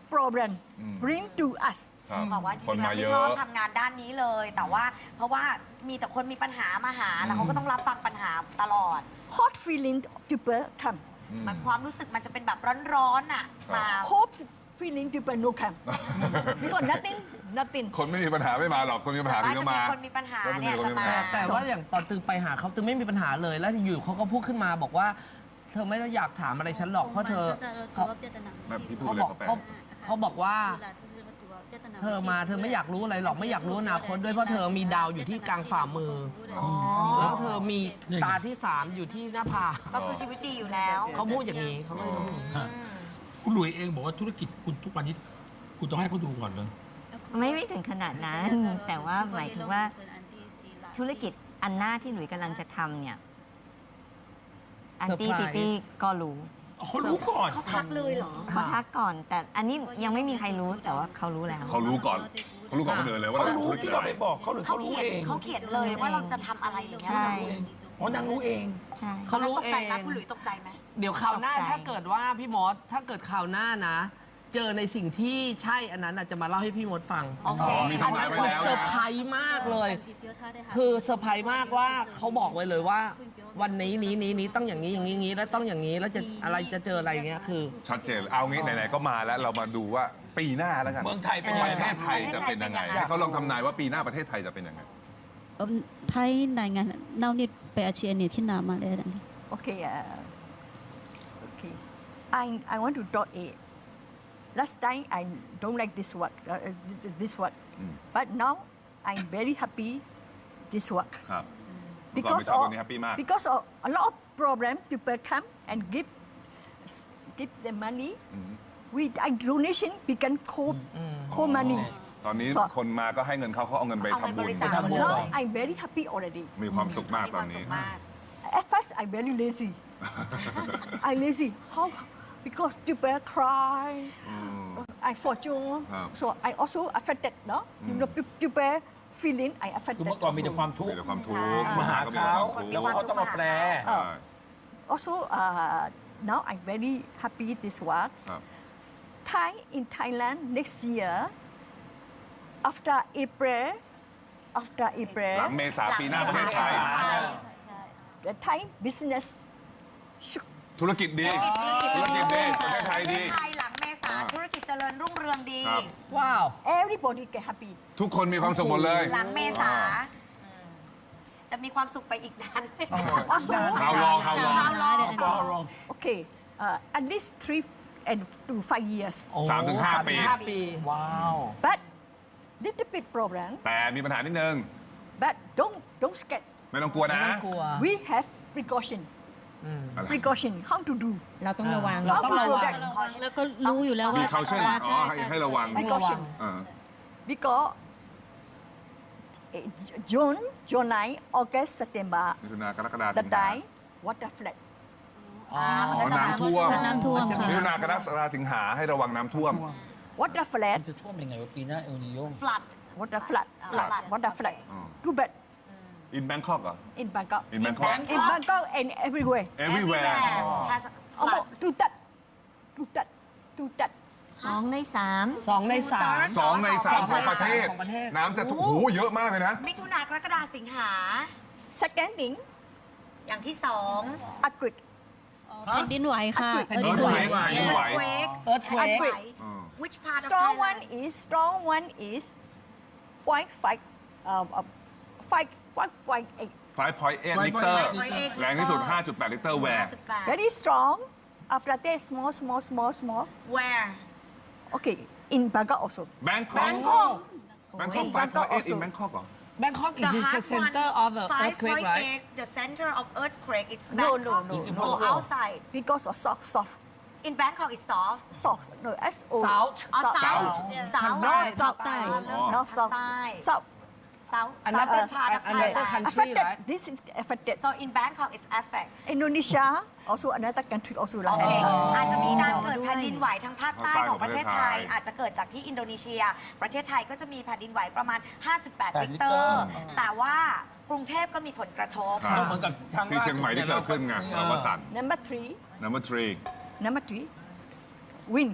[SPEAKER 5] problem
[SPEAKER 2] Mm.
[SPEAKER 5] bring to us.
[SPEAKER 2] ครับ
[SPEAKER 6] บอกว่าจ
[SPEAKER 2] คน
[SPEAKER 6] ริงๆ
[SPEAKER 2] มา
[SPEAKER 6] แล้ว
[SPEAKER 2] เย
[SPEAKER 6] ไม่ชอบ
[SPEAKER 2] อะ
[SPEAKER 6] ทำงานด้านนี้เลย แต่ว่าเพราะว่ามีแต่คนมีปัญหามาหา แล้วเขาก็ต้องรับฟังปัญหาตลอด
[SPEAKER 5] Hot feeling people come.
[SPEAKER 6] มันความรู้สึกมันจะเป็นแบบร้อนๆอ่ะมา
[SPEAKER 5] Cold feeling people no come. Because nothing, nothing.
[SPEAKER 2] คนไม่มีปัญหาไม่มาหรอก คนมีปัญหาถึงจะมา
[SPEAKER 6] คนมีปัญหา
[SPEAKER 2] ก็จะมี
[SPEAKER 6] เนี่ย
[SPEAKER 2] คน
[SPEAKER 6] จะ
[SPEAKER 2] มีปัญ
[SPEAKER 6] มา
[SPEAKER 2] หา
[SPEAKER 8] แต่ว่าอย่างตอนตึงไปหาเขาตึงไม่มีปัญหาเลย แล้วอยู่เขาก็พูดขึ้นมาบอกว่า เธอไม่ต้องอยากถามอะไรฉันหรอกเพราะเธอเขา
[SPEAKER 2] แบบพี่พูด
[SPEAKER 8] เขา
[SPEAKER 2] เลย
[SPEAKER 8] บอก
[SPEAKER 2] เขาแปล
[SPEAKER 8] เขาเขาบอกว่า เธอมาเธอไม่อยากรู้อะไรหรอกไม่อยากรู้อนาคตด้วยเพราะเธอมีดาวอยู่ที่กลางฝ่ามืออแล้วเธอมีตาที่สามอยู่ที่หน้าผาก
[SPEAKER 6] ก็คือชีวิตดีอยู่แล้ว
[SPEAKER 8] เขาพูดอย่างนี้เขาไม่รู้
[SPEAKER 1] ฮะคุณหลุยเองบอกว่าธุรกิจคุณทุกวันนี้ คุณต้องให้เขาดูก่อนเลย
[SPEAKER 7] ไม่ไม่ถึงขนาดนั้น แต่ว่าหมายถึงว่าธุรกิจอันหน้าที่หลุยส์กำลังจะทำเนี่ย อันตี้
[SPEAKER 8] เซอ
[SPEAKER 7] ติ
[SPEAKER 8] ร์ไพรส์
[SPEAKER 7] ตี้ก็รู้
[SPEAKER 1] เขารู้ก่อน
[SPEAKER 6] เขาทักเลยเหรอ
[SPEAKER 7] เขาทักก่อน แต่อันนี้ยังไม่มีใครรู้แต่ว่าเขารู้แล้ว
[SPEAKER 2] เขารู้ก่อน เขารู้ก่อนคนอื่นเลยว่า
[SPEAKER 1] เขา
[SPEAKER 2] เรา
[SPEAKER 1] รู้
[SPEAKER 2] ธุรกิจ
[SPEAKER 1] ที่
[SPEAKER 2] อะ
[SPEAKER 1] เรา
[SPEAKER 2] ไร
[SPEAKER 1] ไปบอกเขาหรือ
[SPEAKER 6] เขา
[SPEAKER 1] เขารู้
[SPEAKER 6] เขียน
[SPEAKER 1] เอง
[SPEAKER 6] เขาเขียนเลยว่าเราจะทำอะไรอย่างเงี้ย
[SPEAKER 7] ใช่
[SPEAKER 1] อ๋อนางรู้เอง
[SPEAKER 7] ใช่
[SPEAKER 8] เขารู้
[SPEAKER 6] ตก
[SPEAKER 8] เอ
[SPEAKER 6] ใจ
[SPEAKER 8] ง
[SPEAKER 6] ไหมคุณหลุยตกใจไหม
[SPEAKER 8] เดี๋ยวคราวหน้า
[SPEAKER 7] ตกใจ
[SPEAKER 8] ถ้าเกิดว่าพี่มดถ้าเกิดคราวหน้านะ เจอในสิ่งที่ใช่อันนั้นน่ะจะมาเล่าให้พี่มดฟัง
[SPEAKER 6] โอเค
[SPEAKER 2] มี
[SPEAKER 8] อัน
[SPEAKER 2] ทำลา
[SPEAKER 8] นั้
[SPEAKER 2] ย
[SPEAKER 8] น
[SPEAKER 2] ไว้
[SPEAKER 8] คือ
[SPEAKER 2] แล้ว
[SPEAKER 8] เซอร์
[SPEAKER 2] นะ
[SPEAKER 8] ไพรส์มากเลย คือเซอร์ไพรส์มากว่าเขาบอกไว้เลยว่า วันนี้นี้นี้นี้ต้องอย่างนี้อย่างนี้อย่างนี้แล้วต้องอย่างนี้แล้วจะอะไรจะเจออะไรอย่างเงี้ยคือ
[SPEAKER 2] ชัดเจน เอางี้ไหนๆก็มาแล้วเรามาดูว่าปีหน้าแล้วกัน
[SPEAKER 1] เมืองไทยเป็น
[SPEAKER 2] ป
[SPEAKER 1] ยัง
[SPEAKER 2] ระ
[SPEAKER 1] ไง
[SPEAKER 2] เทศไทยจะเป็นยังไง
[SPEAKER 6] ประเทศไทยเป็นยังไง
[SPEAKER 2] ให้เขาลองทำนายว่าปีหน้าประเทศไทยจะเป็นยังไง
[SPEAKER 4] ไทยรายงานเน่านี่ไปอาชีพเนี่ยพี่นามาเลยดังนี้
[SPEAKER 5] Okay. Uh, okay. I I want to dot A. Last time I don't like this work. Uh, uh, this, this work.
[SPEAKER 2] Mm.
[SPEAKER 5] But now I'm very happy. This work
[SPEAKER 2] ครับเมื่อก่อนไม่
[SPEAKER 5] because
[SPEAKER 2] ชอบ
[SPEAKER 5] of
[SPEAKER 2] ตรงนี้แฮปปี้มาก
[SPEAKER 5] because of a lot of problem people come and give give the money. We I donation become co co money.
[SPEAKER 2] ตอนนี้
[SPEAKER 5] So
[SPEAKER 2] คนมาก็ให้เงินเขาเขาเอาเงินไป
[SPEAKER 6] เอาไป
[SPEAKER 2] ทำบุญ
[SPEAKER 6] บริจาค
[SPEAKER 1] ทำบุญ
[SPEAKER 5] now I'm very happy already.
[SPEAKER 2] มีความสุขมาก
[SPEAKER 6] มี
[SPEAKER 2] ต
[SPEAKER 6] ค
[SPEAKER 2] อ
[SPEAKER 6] วาน มสุ
[SPEAKER 2] นี้
[SPEAKER 6] ขมาก
[SPEAKER 5] At first I very lazy. I lazy. How? Because people cry. I fortune.
[SPEAKER 2] Ah.
[SPEAKER 5] So I also affected, no? You know, pe- people feeling I
[SPEAKER 1] คือ
[SPEAKER 5] affected.
[SPEAKER 1] เมื่อก่อนมีแต่ความทุก
[SPEAKER 2] มี
[SPEAKER 1] ข์
[SPEAKER 2] แต่ความทุกข์
[SPEAKER 1] มาหา
[SPEAKER 2] ก็มี
[SPEAKER 1] เขา
[SPEAKER 2] แต่ความทุกข์
[SPEAKER 1] แล้วเขาต้องมาแปล
[SPEAKER 2] ใช่
[SPEAKER 5] Also, uh, now I'm very happy this work.
[SPEAKER 2] ครับ
[SPEAKER 5] Thai in Thailand next year, after April, after
[SPEAKER 2] หลัง
[SPEAKER 5] April,
[SPEAKER 2] เมษาปีหน้าประเทศไทย
[SPEAKER 5] the Thai business should
[SPEAKER 2] ธุรกิจดี ธุรกิจดี ประเทศไทยดี
[SPEAKER 6] ประเทศไทยหลังเมษาธุรกิจเจริญรุ่งเรืองดี
[SPEAKER 2] ครับ
[SPEAKER 8] ว้าว
[SPEAKER 5] everybody get happy.
[SPEAKER 2] ทุกคนมีความสุขหมดเลย
[SPEAKER 6] หลังเมษาจะมีความสุขไปอีกนาน
[SPEAKER 5] Also,
[SPEAKER 2] How long? How long?
[SPEAKER 6] How long?
[SPEAKER 1] ฟอรอง
[SPEAKER 5] okay, uh, at least three and to five years.
[SPEAKER 2] สามถึงห้าปี
[SPEAKER 8] ห้าปี
[SPEAKER 3] ว้าว
[SPEAKER 5] But little bit problem.
[SPEAKER 2] แต่มีปัญหานิดนึง
[SPEAKER 5] But don't don't scared.
[SPEAKER 2] ไม่ต้องกลัว
[SPEAKER 8] ไม่
[SPEAKER 2] นะ
[SPEAKER 8] ต้องกลัว
[SPEAKER 5] We have precaution.
[SPEAKER 2] อะไร
[SPEAKER 5] Precaution. How to do?
[SPEAKER 7] เราต้องระวัง
[SPEAKER 8] เราต้องระวัง
[SPEAKER 4] แล้วก็รู้อยู่แล้ว
[SPEAKER 2] มี
[SPEAKER 4] ว่า
[SPEAKER 2] เขาเช่นอ๋อให้ให้ระวัง
[SPEAKER 5] Precaution.
[SPEAKER 2] เออ
[SPEAKER 5] Because eh, June, July, August, September,
[SPEAKER 2] มิถุนากรกฎาคม
[SPEAKER 5] the time water flood.
[SPEAKER 2] อ๋อน้ำท่วม
[SPEAKER 4] น้ำท่วมค่ะ
[SPEAKER 2] มิถุนากรกฎาสิงหาให้ระวังน้ำท่วม
[SPEAKER 5] Water
[SPEAKER 1] มั
[SPEAKER 5] flood.
[SPEAKER 1] นจะท่วมยังไงวะปีหน้าเอลนิโย
[SPEAKER 6] flood
[SPEAKER 5] Water flood. Flood.
[SPEAKER 6] Flood.
[SPEAKER 5] Water flood.
[SPEAKER 2] Oh.
[SPEAKER 5] Too bad
[SPEAKER 2] in Bangkok เหรอ
[SPEAKER 5] in Bangkok.
[SPEAKER 2] in Bangkok
[SPEAKER 5] In Bangkok and everywhere.
[SPEAKER 2] everywhere
[SPEAKER 6] has
[SPEAKER 5] Oh,
[SPEAKER 6] flood
[SPEAKER 5] do that. Do that. Do that.
[SPEAKER 7] สองในสาม
[SPEAKER 8] สองในสาม
[SPEAKER 2] สองในสาม
[SPEAKER 8] ส
[SPEAKER 2] ข
[SPEAKER 8] อ
[SPEAKER 2] อง ง
[SPEAKER 8] ใน
[SPEAKER 2] ประเทศ
[SPEAKER 8] สามของประเทศ
[SPEAKER 2] น้ำจะโอ้โหเยอะมากเลยนะ
[SPEAKER 6] มิถุนากรกฎาสิงหา
[SPEAKER 5] Second thing,
[SPEAKER 6] อย่างที่สอง
[SPEAKER 5] earthquake.
[SPEAKER 4] แผ่นดินไหวค่ะ
[SPEAKER 5] แผ่นดิน
[SPEAKER 2] ไหว
[SPEAKER 4] Earthquake
[SPEAKER 2] แผ่นดินไหว
[SPEAKER 6] earthquake
[SPEAKER 8] earthquake
[SPEAKER 5] Earthquake.
[SPEAKER 2] Uh.
[SPEAKER 6] which part of
[SPEAKER 5] Strong
[SPEAKER 6] Thailand
[SPEAKER 5] one is strong one is point five, uh, uh, five, five point eight.
[SPEAKER 2] ไฟพอยต์เอ็ดลิตร
[SPEAKER 6] five
[SPEAKER 2] แรงที่สุด ห้าจุดแปด ลิตรแวร์
[SPEAKER 6] ห้าจุดแปด
[SPEAKER 5] Very strong. After that, small, small, small, small.
[SPEAKER 6] where
[SPEAKER 5] Okay, in Bangkok also.
[SPEAKER 2] แบงคอก แบงคอกไฟพอยต์เอ็ด in แบงคอกเหรอ
[SPEAKER 8] Bangkok is
[SPEAKER 6] the
[SPEAKER 8] the
[SPEAKER 6] hard
[SPEAKER 8] center
[SPEAKER 6] one
[SPEAKER 8] of the earthquake right
[SPEAKER 6] 5.8 the center of earthquake it's
[SPEAKER 5] No, no,
[SPEAKER 6] Bangkok
[SPEAKER 5] no,
[SPEAKER 1] It's
[SPEAKER 5] no.
[SPEAKER 1] impossible.
[SPEAKER 6] or outside
[SPEAKER 5] Because of soft, soft,
[SPEAKER 6] in Bangkok it's soft
[SPEAKER 5] soft. No, S O.
[SPEAKER 8] South
[SPEAKER 6] or
[SPEAKER 5] South.
[SPEAKER 6] south
[SPEAKER 8] South.
[SPEAKER 6] south
[SPEAKER 8] ใต้
[SPEAKER 5] No, south.
[SPEAKER 8] ใต้
[SPEAKER 5] No, south.
[SPEAKER 6] ใต้
[SPEAKER 5] South.
[SPEAKER 6] south
[SPEAKER 8] Another
[SPEAKER 6] southern part of
[SPEAKER 8] another
[SPEAKER 6] Thailand
[SPEAKER 8] country
[SPEAKER 5] Affected.
[SPEAKER 8] right
[SPEAKER 5] This is affected.
[SPEAKER 6] so in Bangkok it's affect
[SPEAKER 5] Indonesia also another country also
[SPEAKER 6] โอ
[SPEAKER 5] like
[SPEAKER 6] เค
[SPEAKER 5] that.
[SPEAKER 6] อาจจะมีการเกิดแผ่นดินไหวทางภาคใต้
[SPEAKER 2] ภาคใต้
[SPEAKER 6] ของประเทศไทย
[SPEAKER 2] ของประเทศไทย
[SPEAKER 6] อาจจะเกิดจากที่อินโดนีเซีย ประเทศไทยก็จะมีแผ่นดินไหวประมาณ ห้าจุดแปด
[SPEAKER 1] แปด
[SPEAKER 6] ลิ
[SPEAKER 1] ลิ
[SPEAKER 6] ต
[SPEAKER 1] ต
[SPEAKER 6] ร
[SPEAKER 1] ร
[SPEAKER 6] แต่ว่ากรุงเทพก็มีผลกระทบ
[SPEAKER 2] ครับ
[SPEAKER 1] เหมือนกับทาง
[SPEAKER 2] ที่เชียงใหม่ที่เกิดขึ้นไง
[SPEAKER 1] เอ
[SPEAKER 2] เรา
[SPEAKER 1] อ
[SPEAKER 2] วสัน
[SPEAKER 5] Number three.
[SPEAKER 2] number three
[SPEAKER 5] Number three. Wind.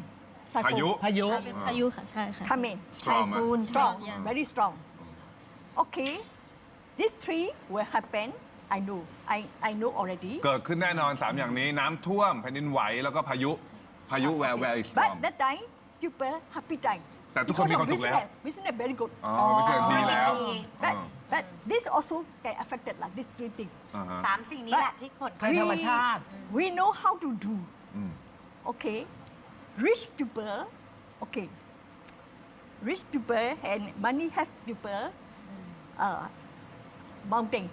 [SPEAKER 2] พายุ
[SPEAKER 3] พายุ
[SPEAKER 4] เป็นพายุค่ะใช่ค่ะ
[SPEAKER 5] coming.
[SPEAKER 2] สตรอม
[SPEAKER 7] Typhoon
[SPEAKER 5] Strong,
[SPEAKER 4] Yes.
[SPEAKER 5] very strong. Okay, these three will happen. I know. I I know already.
[SPEAKER 2] เกิดขึ้นแน่นอน สาม อย่างนี้น้ำท่วมแผ่นดินไหวแล้วก็พายุพายุ where where is storm
[SPEAKER 5] But that time, people happy time.
[SPEAKER 2] แต่ทุกคนมีความสุขแล้ว
[SPEAKER 5] Business, business very good.
[SPEAKER 2] อ๋อไม่ใช่ดีแล้ว
[SPEAKER 5] But but this also get affected like this three things.
[SPEAKER 2] อ่าฮะ
[SPEAKER 6] สามสิ่งนี้แหละที่ผล
[SPEAKER 3] ภัยธรรมชาติ
[SPEAKER 5] We know how to do.
[SPEAKER 2] อืม
[SPEAKER 5] Okay, rich people. Okay, rich people and money have people. Uh, mountain.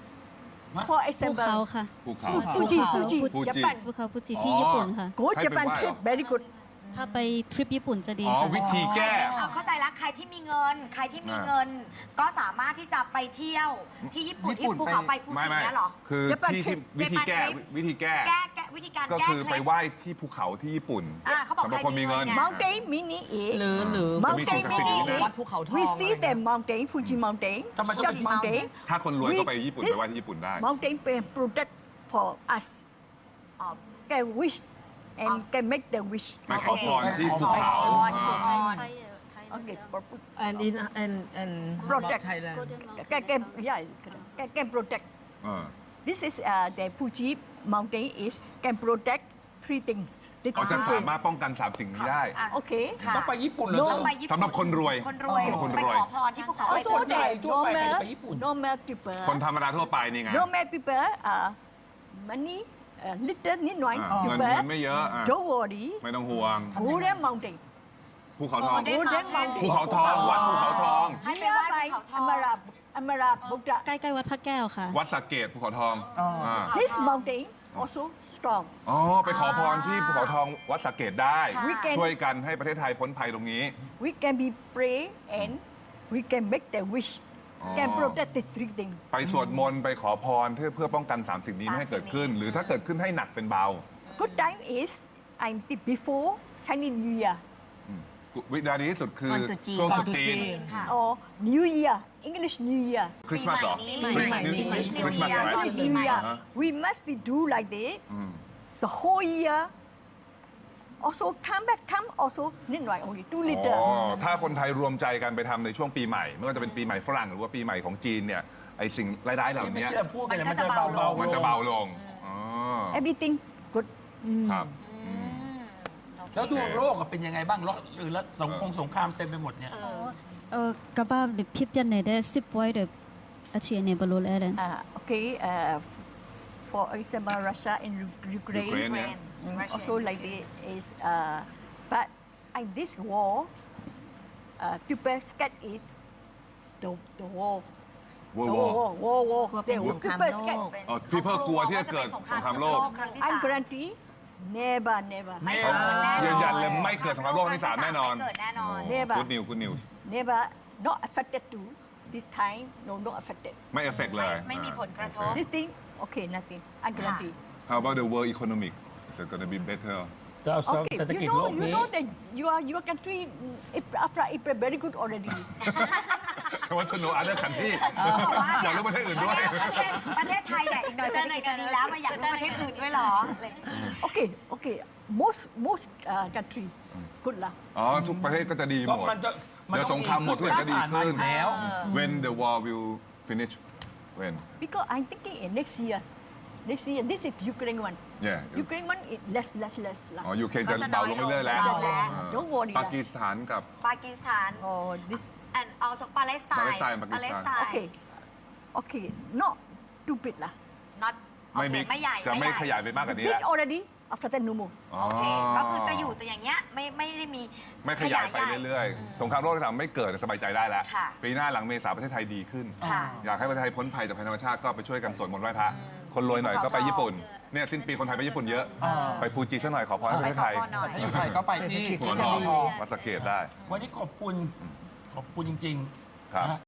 [SPEAKER 5] For
[SPEAKER 4] ภู
[SPEAKER 5] example,
[SPEAKER 4] เขาค่ะ
[SPEAKER 2] ภูเขา
[SPEAKER 5] Fuji,
[SPEAKER 4] ภูเขา
[SPEAKER 5] Fuji,
[SPEAKER 2] Fuji.
[SPEAKER 5] Japan.
[SPEAKER 4] ภูเขาฟูจิที่ญี่ปุ่นค่ะ
[SPEAKER 5] Go
[SPEAKER 2] ให้ไป
[SPEAKER 5] Japan
[SPEAKER 2] ไหว้
[SPEAKER 5] trip
[SPEAKER 2] เหรอ
[SPEAKER 5] very good.
[SPEAKER 4] ถ้าไปทริปญี่ปุ่นจะดี
[SPEAKER 2] อ๋อ
[SPEAKER 4] ค่ะ
[SPEAKER 2] วิธีแก้
[SPEAKER 6] เอาเข้าใจแล้วใครที่มีเงิน ใครที่มีเงิน ก็สามารถที่จะไปเที่ยวที่ญี่ปุ่น
[SPEAKER 3] ญี่
[SPEAKER 6] ที่
[SPEAKER 3] ปุ่น
[SPEAKER 6] ภูเขาไฟ
[SPEAKER 3] ไป
[SPEAKER 6] ฟู
[SPEAKER 2] ไม่
[SPEAKER 6] จิ
[SPEAKER 2] ไม่
[SPEAKER 6] เนี่ยเหรอ
[SPEAKER 2] คือ
[SPEAKER 5] Japan
[SPEAKER 2] ที่ที่
[SPEAKER 5] trip
[SPEAKER 2] วิธีแก้
[SPEAKER 6] Japan trip
[SPEAKER 2] วิธีแก้
[SPEAKER 6] แก้แก้วิธีการ
[SPEAKER 2] ก็
[SPEAKER 6] แก้
[SPEAKER 2] คือ
[SPEAKER 6] เค
[SPEAKER 2] ไป
[SPEAKER 6] ล็ด
[SPEAKER 2] ไหว้ที่ภูเขาที่ญี่ปุ่น
[SPEAKER 6] อ่าเขาบอก
[SPEAKER 2] สำหรับคนมีเงิน
[SPEAKER 6] ใครมีเงิน
[SPEAKER 5] Mountain meaning
[SPEAKER 8] หรือ
[SPEAKER 5] is
[SPEAKER 8] หรือ
[SPEAKER 5] mountain
[SPEAKER 2] จะมีสิ่ง
[SPEAKER 5] meaning
[SPEAKER 2] นี้
[SPEAKER 5] is
[SPEAKER 8] วัดภูเขาทอง
[SPEAKER 5] we
[SPEAKER 8] อะไร
[SPEAKER 5] see
[SPEAKER 8] เงี้
[SPEAKER 5] the
[SPEAKER 8] ย
[SPEAKER 5] mountain, Fuji mountain,
[SPEAKER 1] ทำไมต้อง
[SPEAKER 5] Short
[SPEAKER 1] เป็น
[SPEAKER 5] mountain.
[SPEAKER 2] ถ้าคนรวยก็ไปญี่ปุ่น
[SPEAKER 5] This
[SPEAKER 2] ไปไหว้ที่ญี่ปุ่นได้
[SPEAKER 5] Mountain can protect for us. Uh, can wish and can make the wish.
[SPEAKER 2] ไปขอพรที่ภูเขา
[SPEAKER 6] ขอพร
[SPEAKER 2] อ่า
[SPEAKER 5] Okay, for,
[SPEAKER 8] and in and and
[SPEAKER 5] Protect.
[SPEAKER 8] Thailand
[SPEAKER 5] can, can, yeah, can, can protect.
[SPEAKER 2] เออ
[SPEAKER 5] This is uh, the Fuji mountain is can protect three things. The
[SPEAKER 2] เขาจะ
[SPEAKER 5] three
[SPEAKER 2] สา
[SPEAKER 5] things.
[SPEAKER 2] มารถป้องกันสามสิ่งนี้ได้
[SPEAKER 6] อ่ะ
[SPEAKER 5] Okay.
[SPEAKER 6] ค่ะ
[SPEAKER 1] ต้องไปญี่ปุ่นเลย
[SPEAKER 6] ต้องไปญี่ปุ่น
[SPEAKER 2] สำหรับคนรวย
[SPEAKER 6] คนรวย
[SPEAKER 2] สำหรับคน
[SPEAKER 6] ไป
[SPEAKER 2] รวย
[SPEAKER 6] ขอพรที่ภูเขาไฟ
[SPEAKER 5] Also,
[SPEAKER 6] ฟู
[SPEAKER 1] คน
[SPEAKER 6] จิ
[SPEAKER 1] ไทย
[SPEAKER 5] the
[SPEAKER 1] ทั่วไปใครจะ
[SPEAKER 5] normal,
[SPEAKER 1] ไปญี่ปุ่น
[SPEAKER 5] normal people.
[SPEAKER 2] คนธรรมดาทั่วไปนี่ไง
[SPEAKER 5] Normal people are money, uh, little, need one
[SPEAKER 2] อ่าเงิน
[SPEAKER 5] people.
[SPEAKER 2] เงินไม่เยอะอ่ะ
[SPEAKER 5] Don't worry.
[SPEAKER 2] ไม่ต้องห่วง
[SPEAKER 5] Golden Mountain.
[SPEAKER 2] ภูเขาทอง
[SPEAKER 6] Golden Mountain
[SPEAKER 2] ภูเขาทองวัดภูเขาทอง
[SPEAKER 6] ให้ไปไหว้
[SPEAKER 5] Nearby
[SPEAKER 6] ภูเขาทอง
[SPEAKER 5] Amara, Amara Buddha.
[SPEAKER 4] ใกล้ๆวัดพระแก้วค่ะ
[SPEAKER 2] วัดสระเกตภูเขาทองา
[SPEAKER 5] This mountain also strong.
[SPEAKER 2] อ๋อไปขอพรที่ภูเขาทองวัดสระเกตได้
[SPEAKER 5] We can
[SPEAKER 2] ช่วยกันให้ประเทศไทยพ้นภัยตรงนี้
[SPEAKER 5] we can be pray and we can make the wish.
[SPEAKER 2] อ๋อ
[SPEAKER 5] Can protect the three things.
[SPEAKER 2] ไปสวดมนต์ไปขอพรเพื่อเพื่อป้องกันสามสิ่งนี้ไม่ให้เกิดขึ้น หรือถ้าเกิดขึ้นให้หนักเป็นเบา
[SPEAKER 5] Good time is I'm the before Chinese New Year
[SPEAKER 2] วินาทีที่สุดคือ
[SPEAKER 7] ก่อนตรุษจีน
[SPEAKER 2] ช่วง
[SPEAKER 8] ก่
[SPEAKER 2] ต
[SPEAKER 8] อน
[SPEAKER 2] รุษ
[SPEAKER 8] ตรุษ
[SPEAKER 2] จี
[SPEAKER 8] จี
[SPEAKER 2] น
[SPEAKER 8] น
[SPEAKER 6] ค่ะ
[SPEAKER 5] or New Year, English New Year.
[SPEAKER 2] คริสต์มาสเหรอ
[SPEAKER 6] ปีใหม่นี้
[SPEAKER 2] คริสต์
[SPEAKER 6] New
[SPEAKER 2] คริสต์มาส
[SPEAKER 6] Year
[SPEAKER 2] ไหม
[SPEAKER 6] ก่อน
[SPEAKER 5] New Year.
[SPEAKER 2] Uh-huh.
[SPEAKER 5] We must be do like that.
[SPEAKER 2] อืม
[SPEAKER 5] The whole year. Also come back, come also need right only two
[SPEAKER 2] อ๋
[SPEAKER 5] liter.
[SPEAKER 2] อถ้าคนไทยรวมใจกันไปทำในช่วงปีใหม่ ไม่ว่าจะเป็นปีใหม่ฝรั่งหรือว่าปีใหม่ของจีนเนี่ยไอสิ่งร้ายๆเหล่า
[SPEAKER 1] ที่เมื่อ
[SPEAKER 2] นี้
[SPEAKER 1] กี้เราพูดกันเนี่ยมันจะเบาเบาๆ
[SPEAKER 2] มันจะเบาลงอ๋อ
[SPEAKER 5] Everything good.
[SPEAKER 2] ครับ
[SPEAKER 1] แล้วดูโลกอะเป็นยังไงบ้างแล้วหรือแล้วสงครามสงครามเต็มไปหมดเนี่ย
[SPEAKER 4] เออกระบ้าหรือพิบยันในได้สิบไว้เดี๋ยวอาเชียเนี่ยบรรลุแล้วเลย
[SPEAKER 5] Uh, okay. Uh, for example, Russia and U- Ukraine.
[SPEAKER 2] Ukraine, yeah.
[SPEAKER 5] Mm, also like that is. Uh, but in this war, uh, people scared it. The the war.
[SPEAKER 2] วัว
[SPEAKER 5] The
[SPEAKER 2] วอ
[SPEAKER 5] war, war, war.
[SPEAKER 7] กลัวเป็น
[SPEAKER 5] The
[SPEAKER 7] สงคราม
[SPEAKER 5] people
[SPEAKER 7] โล
[SPEAKER 5] scared.
[SPEAKER 7] ก
[SPEAKER 2] เออ people กลัวที่จะเกิดสงครามโลก
[SPEAKER 6] ครั้งที่
[SPEAKER 5] I
[SPEAKER 6] สาม
[SPEAKER 5] guarantee, never, never,
[SPEAKER 6] ไม่เกิดแน่นอน
[SPEAKER 2] ยืนยันเลยไม่เกิดสงครามโลกที่สามแน่นอน
[SPEAKER 6] ไม่เกิดแน่นอน
[SPEAKER 5] Never.
[SPEAKER 2] กูดนิวกูดนิว
[SPEAKER 5] never, not affected to this time. No, not affected.
[SPEAKER 2] ไม่เอฟเฟกเลย
[SPEAKER 6] ไม่มีผลกระทบ
[SPEAKER 5] This thing, okay, nothing. I guarantee.
[SPEAKER 2] How about the world economic is it gonna be better
[SPEAKER 1] จะเอา
[SPEAKER 5] Okay,
[SPEAKER 1] เศรษฐกิจ
[SPEAKER 5] you
[SPEAKER 1] โล
[SPEAKER 5] know,
[SPEAKER 1] ก
[SPEAKER 5] you
[SPEAKER 1] นี้
[SPEAKER 5] know that your your country mm, if- after April very good already.
[SPEAKER 2] I want to know other country อยากรู้ประเทศอื่นด้วย
[SPEAKER 6] ประเทศประเทศไทยเนี่ยอีกหน่อยเศรษฐกิจจะดีแล้วมาอยากรู้ประเทศอื่นด้วยเหรออะไร
[SPEAKER 5] Okay, okay. Most most uh, country good lah.
[SPEAKER 2] อ๋อ ทุกประเทศก็จะดีห
[SPEAKER 1] ก็
[SPEAKER 2] มด
[SPEAKER 1] มันจะมัน
[SPEAKER 2] เดี๋ยว
[SPEAKER 1] ต้
[SPEAKER 2] สงครามหมดทุกอย่างก็ดี
[SPEAKER 1] ผ่านมา
[SPEAKER 2] ขึ้
[SPEAKER 1] อน ยู่แล้ว
[SPEAKER 2] When the war will finish when
[SPEAKER 5] Because I'm thinking in next year. Next year, this is Ukraine one.
[SPEAKER 2] yeah
[SPEAKER 5] Ukraine one is less, less, less
[SPEAKER 2] อ๋อ
[SPEAKER 5] lah.
[SPEAKER 2] ยูเคจะเบาลงเรื่อยๆแล้ว
[SPEAKER 6] เบาแล้ว
[SPEAKER 2] อ่า
[SPEAKER 5] Don't worry
[SPEAKER 2] ปากีสถานกับ
[SPEAKER 6] ปากีสถาน
[SPEAKER 5] Oh, this.
[SPEAKER 6] and also Palestine
[SPEAKER 2] Palestine ปากีสถาน
[SPEAKER 5] Okay, okay. Not too big lah.
[SPEAKER 6] not
[SPEAKER 2] ไม่
[SPEAKER 6] โอเค
[SPEAKER 2] บิ๊ก
[SPEAKER 6] ไม่ใหญ่
[SPEAKER 2] จะไม่
[SPEAKER 6] ใหญ่
[SPEAKER 2] ขยายไปมากกว่านี้
[SPEAKER 5] Big
[SPEAKER 2] แล้ว
[SPEAKER 5] already. After that, no more.
[SPEAKER 2] อ๋อ
[SPEAKER 6] โอเค ก็คือจะอยู่แต่อย่างเงี้ยไม่ไม่ได้มี
[SPEAKER 2] ไม่ขยายไปเรื่อยๆ สงครามโลกที่สามไม่เกิดสบายใจได้แล้ว
[SPEAKER 6] ค่ะ
[SPEAKER 2] ปีหน้าหลังเมษาประเทศไทยดีขึ้น
[SPEAKER 6] ค่ะ
[SPEAKER 2] อยากให้ประเทศไทยพ้นภัยจากภัยธรรมชาติก็ไปช่วยกันสวดมนต์ไหว้พระ คนรวยหน่อยก็ไปญี่ปุ่น เนี่ยสิ้นปีคนไทยไปญี่ปุ่นเยอะ ไปฟูจิสักหน่อยขอพรให้ประเทศไทย
[SPEAKER 6] ไปขอพรหน่อย
[SPEAKER 3] ถ้าอยู่ไทยก็ไปที่
[SPEAKER 2] หัวทองมาสะเกตได้
[SPEAKER 1] วันนี้ขอบคุณ ขอบคุณจริง
[SPEAKER 2] ครับ
[SPEAKER 1] ๆนะฮะ